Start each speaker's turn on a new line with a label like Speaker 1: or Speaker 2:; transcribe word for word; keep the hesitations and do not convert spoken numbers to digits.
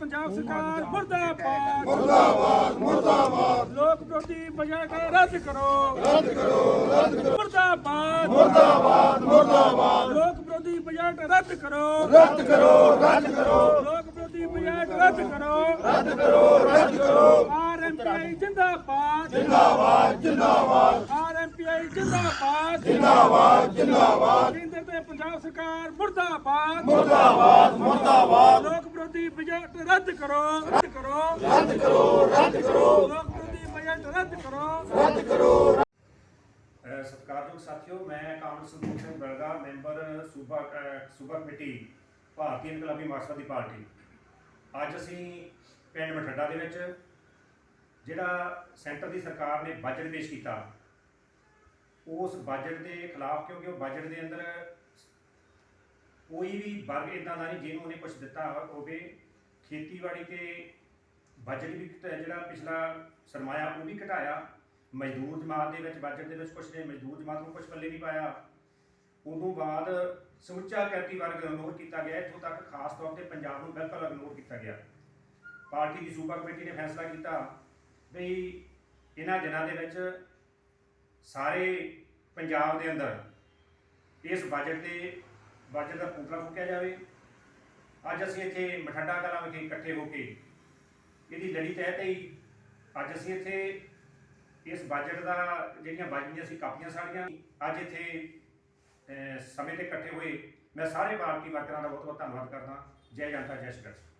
Speaker 1: पंजाब सरकार मुर्दाबाद
Speaker 2: मुर्दाबाद मुर्दाबाद
Speaker 1: लोक विरोधी बजट रद्द करो
Speaker 2: रद्द करो रद्द करो
Speaker 1: मुर्दाबाद
Speaker 2: मुर्दाबाद मुर्दाबाद
Speaker 1: लोक विरोधी बजट रद्द करो
Speaker 2: रद्द करो रद्द करो
Speaker 1: लोक विरोधी बजट रद्द करो
Speaker 2: रद्द करो रद्द करो
Speaker 1: आरएमपीआई जिंदाबाद
Speaker 2: जिंदाबाद जिंदाबाद
Speaker 1: आरएमपीआई जिंदाबाद
Speaker 2: जिंदाबाद जिंदाबाद
Speaker 1: केंद्र ते पंजाब सरकार मुर्दाबाद
Speaker 2: मुर्दाबाद मुर्दाबाद
Speaker 1: लोक विरोधी बजट रद्द करो रद्द करो
Speaker 2: रद्द करो रद्द करो
Speaker 1: लोक विरोधी बजट रद्द करो
Speaker 2: रद्द करो
Speaker 3: ਸਤਿਕਾਰਯੋਗ ਸਾਥੀਓ, ਮੈਂ ਕਾਮਰੇਡ ਸੰਤੋਖ ਸਿੰਘ ਬਲਗਾ, ਮੈਂਬਰ ਸੂਬਾ ਅ, ਸੂਬਾ ਕਮੇਟੀ ਭਾਰਤੀ ਇਨਕਲਾਬੀ ਮਾਰਕਸਵਾਦੀ ਪਾਰਟੀ। ਅੱਜ ਅਸੀਂ ਪਿੰਡ ਮਠੱਡਾ ਦੇ ਵਿੱਚ ਜਿਹੜਾ ਸੈਂਟਰ ਦੀ ਸਰਕਾਰ ਨੇ ਬਜਟ ਪੇਸ਼ ਕੀਤਾ, ਉਸ ਬਜਟ ਦੇ ਖਿਲਾਫ, ਕਿਉਂਕਿ ਉਹ ਬਜਟ ਦੇ ਅੰਦਰ ਕੋਈ ਵੀ ਵਰਗ ਇੱਦਾਂ ਦਾ ਨਹੀਂ ਜਿਹਨੂੰ ਉਹਨੇ ਕੁਛ ਦਿੱਤਾ ਹੋਵੇ। ਖੇਤੀਬਾੜੀ ਤੇ ਬਜਟ ਵੀ ਜਿਹੜਾ ਪਿਛਲਾ ਸਰਮਾਇਆ ਉਹ ਵੀ ਘਟਾਇਆ। ਮਜ਼ਦੂਰ ਜਮਾਤ ਦੇ ਵਿੱਚ ਬਜਟ ਦੇ ਵਿੱਚ ਕੁਛ ਨੇ ਮਜ਼ਦੂਰ ਜਮਾਤ ਨੂੰ ਕੁਛ ਪੱਲੇ ਨਹੀਂ ਪਾਇਆ। ਉਦੋਂ ਬਾਅਦ ਸਮੁੱਚਾ ਕਿਰਤੀ ਵਰਗ ਇਗਨੋਰ ਕੀਤਾ ਗਿਆ। ਇੱਥੋਂ ਤੱਕ ਖਾਸ ਤੌਰ ਤੇ ਪੰਜਾਬ ਨੂੰ ਬਿਲਕੁਲ ਇਗਨੋਰ ਕੀਤਾ ਗਿਆ। ਪਾਰਟੀ ਦੀ ਸੂਬਾ ਕਮੇਟੀ ਨੇ ਫੈਸਲਾ ਕੀਤਾ ਵੀ ਇਹਨਾਂ ਦਿਨਾਂ ਦੇ ਵਿੱਚ ਸਾਰੇ ਪੰਜਾਬ ਦੇ ਅੰਦਰ ਇਸ ਬਜਟ ਦੇ ਬਜਟ ਦਾ ਪੁਤਲਾ ਫੂਕਿਆ ਜਾਵੇ। ਅੱਜ ਅਸੀਂ ਇੱਥੇ ਮਠੱਡਾ ਕਲਾਂ ਵਿਖੇ ਇਕੱਠੇ ਹੋ ਕੇ ਇਹਦੀ ਲੜੀ ਤਹਿਤ ਹੀ ਅੱਜ ਅਸੀਂ ਇੱਥੇ ਇਸ ਬਜਟ ਦਾ ਜਿਹੜੀਆਂ ਬਜਟ ਸੀ ਕਾਪੀਆਂ ਸਾੜੀਆਂ ਅੱਜ ਇੱਥੇ ਸਮੇਂ ਤੇ ਇਕੱਠੇ ਹੋਏ। ਮੈਂ ਸਾਰੇ ਪਾਰਟੀ ਵਰਕਰਾਂ ਦਾ ਬਹੁਤ ਬਹੁਤ ਧੰਨਵਾਦ ਕਰਦਾ। ਜੈ ਜਨਤਾ ਜੈ ਸੰਘਰਸ਼।